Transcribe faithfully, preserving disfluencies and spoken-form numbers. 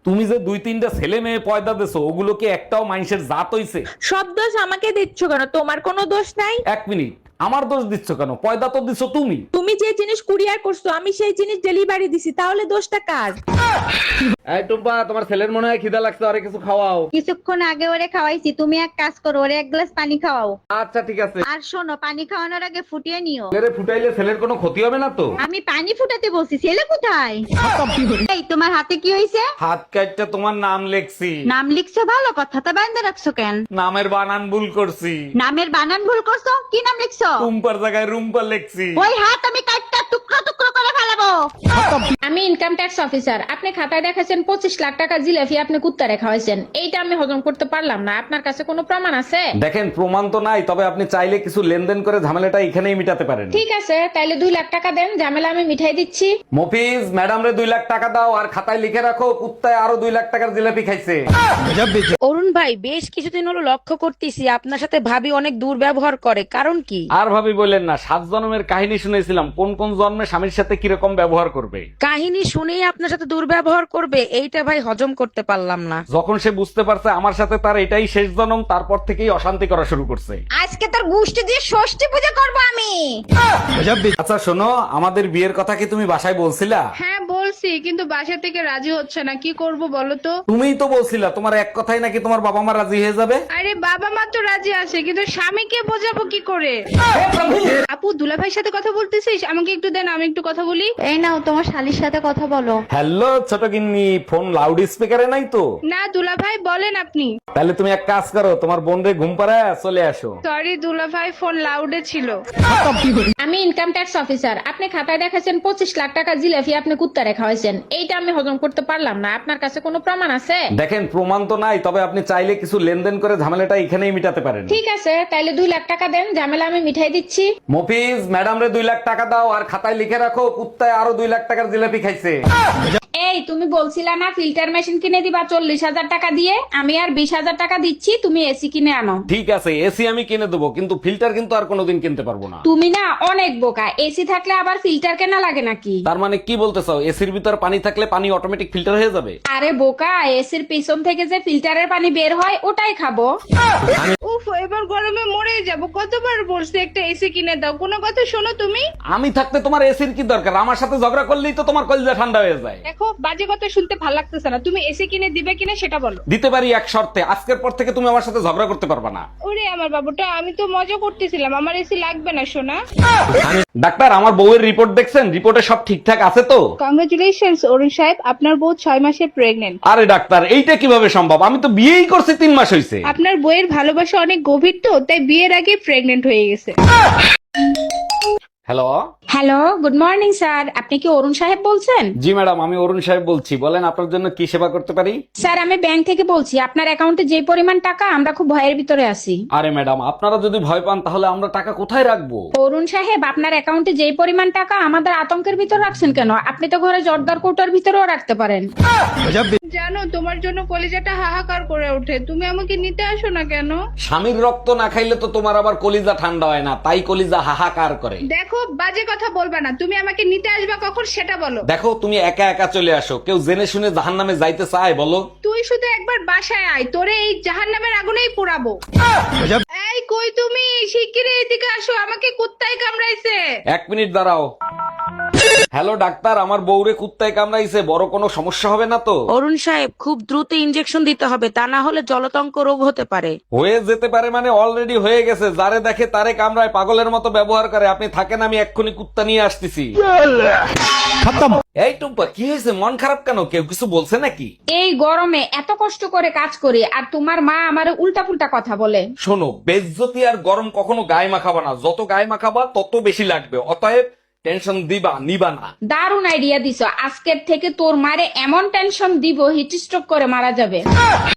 তুমি যে দুই তিনটা ছেলে মেয়ে পয়দা দেছো ওগুলো কি একটাও মানুষের জাত হইছে? সব দোষ আমাকে দিচ্ছ কেন? তোমার কোনো দোষ নাই। এক মিনিট, আমার দোষ দিচ্ছ কেন? পয়দা তো দিছো তুমি। তুমি যে জিনিস কুরিয়ার করছো আমি সেই জিনিস ডেলিভারি দিছি, তাহলে দোষটা কার? এই টুম্পা, তোমার ছেলের মনে হয় খিদা লাগছে, আরে কিছু খাওয়াও। কিছুক্ষণ আগে ওরে খাওয়াইছি, তুমি এক কাজ করো, ওরে এক গ্লাস পানি খাওয়াও। আচ্ছা ঠিক আছে। আর শোনো, পানি খাওয়ানোর আগে ফুটিয়ে নিও। ছেলেরে ফুটাইলে ছেলের কোনো ক্ষতি হবে না তো? আমি পানি ফুটাতে বলছি, ছেলে কোথায়? এই তোমার হাতে কি হয়েছে? হাত কাটটা তোমার নাম লেখছি। নাম লিখছো ভালো কথা, তা বান্ধে রাখছো কেন? নামের বানান ভুল করছি। নামের বানান ভুল করছো? কি নাম লিখছো? টুম্পার জায়গায় রুম্পা লেখছি। ওই হাত আমি কাটটা টুকরো টুকরো করে ফেলাবো। আমি ইনকাম ট্যাক্স অফিসার। আপনি খাতায় দেখাচ্ছেন পঁচিশ লাখ টাকা জিলাপি আপনি কুত্তা রেখা হয়েছেন, এইটা আমি হজম করতে পারলাম না। আপনার কাছে কোনো প্রমাণ আছে? দেখেন, প্রমাণ তো নাই, তবে আপনি চাইলে কিছু লেনদেন করে ঝামেলাটা এখানেই মিটাতে পারেন। ঠিক আছে, তাইলে দুই লাখ টাকা দেন, ঝামেলা আমি মিঠাই দিচ্ছি। মফিজ, ম্যাডাম রে দুই লাখ টাকা দাও আর খাতায় লিখে রাখো কুত্তায় আরো দুই লাখ টাকার জিলাপি খাইছে। অরুণ ভাই, বেশ কিছুদিন হলো লক্ষ্য করতেছি আপনার সাথে ভাবি অনেক দুর্ব্যবহার করে, কারণ কি? আর ভাবি বললেন না, সাত জন্মের কাহিনী শুনেছিলাম, কোন কোন জন্মে স্বামীর সাথে কিরকম ব্যবহার করবে। কাহিনী শুনেই আপনার সাথে দুর্ব্যবহার করবে, এইটা ভাই হজম করতে পারলাম না। যখন সে বুঝতে পারছে আমার সাথে তার এটাই শেষ জন্ম, তারপর থেকেই অশান্তি করা শুরু করছে। আজকে তোর গুষ্টি দিয়ে ষষ্ঠী পূজা করবো আমি। আচ্ছা শোনো, আমাদের বিয়ের কথা কি তুমি বাসায় বলছিলা? হ্যাঁ বলছি, কিন্তু বাসা থেকে রাজি হচ্ছে না, কি করব বলো তো? তুমিই তো বলছিলা তোমার এক কথাই নাকি তোমার বাবা মা রাজি হয়ে যাবে। আরে বাবা মা তো রাজি আছে, কিন্তু স্বামীকে বোঝাবো কি করে? আপু, দুলাভাইয়ের সাথে কথা বলতেছিস? আমাকে একটু দেন, আমি একটু কথা বলি। এই নাও, তোমার শালির সাথে কথা বলো। হ্যালো ছোট গিন্নি, ফোন লাউড স্পিকারে নাই তো? না দুলাভাই, বলেন আপনি। তাহলে তুমি এক কাজ করো, তোমার বোন রে ঘুম পাড়ায় চলে আসো। সরি দুলাভাই, ফোন লাউডে ছিল। আমি ইনকাম ট্যাক্স অফিসার। আপনি খাতায় দেখাচ্ছেন পঁচিশ লাখ টাকা জিলাপি আপনি কুত্তা রেখা হয়েছেন, এইটা আমি হজম করতে পারলাম না। আপনার কাছে কোনো প্রমাণ আছে? দেখেন, প্রমাণ তো নাই, তবে আপনি চাইলে কিছু লেনদেন করে ঝামেলাটা এখানেই মিটাতে পারেন। ঠিক আছে, তাইলে দুই লাখ টাকা দেন, ঝামেলা আমি মিঠাই দিচ্ছি। মফিজ, ম্যাডাম রে দুই লাখ টাকা দাও আর খাতায় লিখে রাখো কুত্তায় আরো দুই লাখ টাকার জিলাপি খাইছে। এই তুমি বলছিলা না ফিল্টার মেশিন কিনে দিবা চল্লিশ হাজার টাকা দিয়ে, আমি আর বিশ হাজার টাকা দিচ্ছি, তুমি এসি কিনে আনো। ঠিক আছে, এসি আমি কিনে দেবো, কিন্তু ফিল্টার কিন্তু আর কোনোদিন কিনতে পারবো না। তুমি না অনেক বোকা, এসি থাকলে আবার ফিল্টার কেনা লাগে নাকি? তার মানে কি বলতে চাও, এসির ভিতর পানি থাকলে পানি অটোমেটিক ফিল্টার হয়ে যাবে? আরে বোকা, এসির পিছন থেকে যে ফিল্টারের পানি বের হয় ওটাই খাবো। উফ, এবার গরমে মরে যাব। কতবার বলছি একটা এসি কিনে দাও, কোনো কথা শোনো তুমি? আমি থাকতে তোমার এসির কি দরকার? আমার সাথে ঝগড়া করলেই তো তোমার কলিজা ঠান্ডা হয়ে যায়। দেখো, বাজে কথা শুনতে ভালো লাগতেছে না। তুমি এসি কিনে দিবে কিনা সেটা বলো। দিতে পারি এক শর্তে, আজকের পর থেকে তুমি আমার সাথে ঝগড়া করতে পারবে না। ওরে আমার বাবুটা, আমি তো মজা করতেছিলাম, আমার এসি লাগবে না সোনা। ডাক্তার, আমার বউয়ের রিপোর্ট দেখছেন? রিপোর্টে সব ঠিকঠাক আছে তো? কংগ্রেচুলেশনস অরুণ সাহেব, আপনার বউ ছয় মাসে প্রেগনেন্ট। আরে ডাক্তার, এইটা কিভাবে সম্ভব? আমি তো বিয়েই করছি তিন মাস হয়েছে। আপনার বইয়ের ভালোবাসা অনেক গভীর তো, তাই বিয়ের আগে প্রেগনেন্ট হয়ে গেছে। Hello. Hello, good morning sir. আপনি কি অরুণ সাহেব বলছেন? জি ম্যাডাম, আমি অরুণ সাহেব বলছি। বলেন, আপনার জন্য কি সেবা করতে পারি? স্যার, আমি ব্যাংক থেকে বলছি। আপনার অ্যাকাউন্টে যে পরিমাণ টাকা, আমরা খুব ভয়ের ভিতরে আছি। আরে ম্যাডাম, আপনারা যদি ভয় পান তাহলে আমরা টাকা কোথায় রাখবো? অরুণ সাহেব, আপনার অ্যাকাউন্টে যে পরিমাণ টাকা, আমাদের আতঙ্কের ভিতর রাখছেন কেন? আপনি তো ঘরে জর্দার কৌটার ভিতরেও রাখতে পারেন। জানো, তোমার জন্য কলিজাটা হাহাকার করে ওঠে। তুমি আমাকে নিতে আসো না কেন? স্বামীর রক্ত না খাইলে তো তোমার আবার কলিজা ঠান্ডা হয় না, তাই কলিজা হাহাকার করে। দেখো, বাজে কথা বলবা না। তুমি আমাকে নিতে আসবা কখন সেটা বলো। দেখো, তুমি একা একা চলে আসো, কেউ জেনে শুনে জাহান্নামে যাইতে চায় বলো? তুই শুধু একবার বাসায় আয়, তোরে এই জাহান্নামের আগুনেই পোড়াবো। এই কই তুমি? শিগগিরই এদিকে আসো, আমাকে কুত্তায় কামড়াইছে। এক মিনিট দাঁড়াও। হ্যালো ডাক্তার, আমার বউরে কুত্তায় কামড়াইছে, বড় কোনো সমস্যা হবে না তো? অরুণ সাহেব, খুব দ্রুত ইনজেকশন দিতে হবে, তা না হলে জলতঙ্ক রোগ হতে পারে। হয়ে যেতে পারে মানে অলরেডি হয়ে গেছে। যারে দেখে তারে কামড়ায়, পাগলের মতো ব্যবহার করে। আপনি থাকেন, আমি এক্ষুনি কুত্তা নিয়ে আসতেছি। এই টুম্পা, কি হয়েছে? মন খারাপ কেন? কেউ কিছু বলছে নাকি? এই গরমে এত কষ্ট করে কাজ করি, আর তোমার মা আমার উল্টা পুল্টা কথা বলে। শোনো, বেজ্জতি আর গরম কখনো গায়ে মাখাবা না। যত গায়ে মাখাবা তত বেশি লাগবে। অতএব টেনশন দিবা নিবা না। দারুণ আইডিয়া দিছো। আজকের থেকে তোর মারে এমন টেনশন দিব, হিট স্ট্রোক করে মারা যাবে।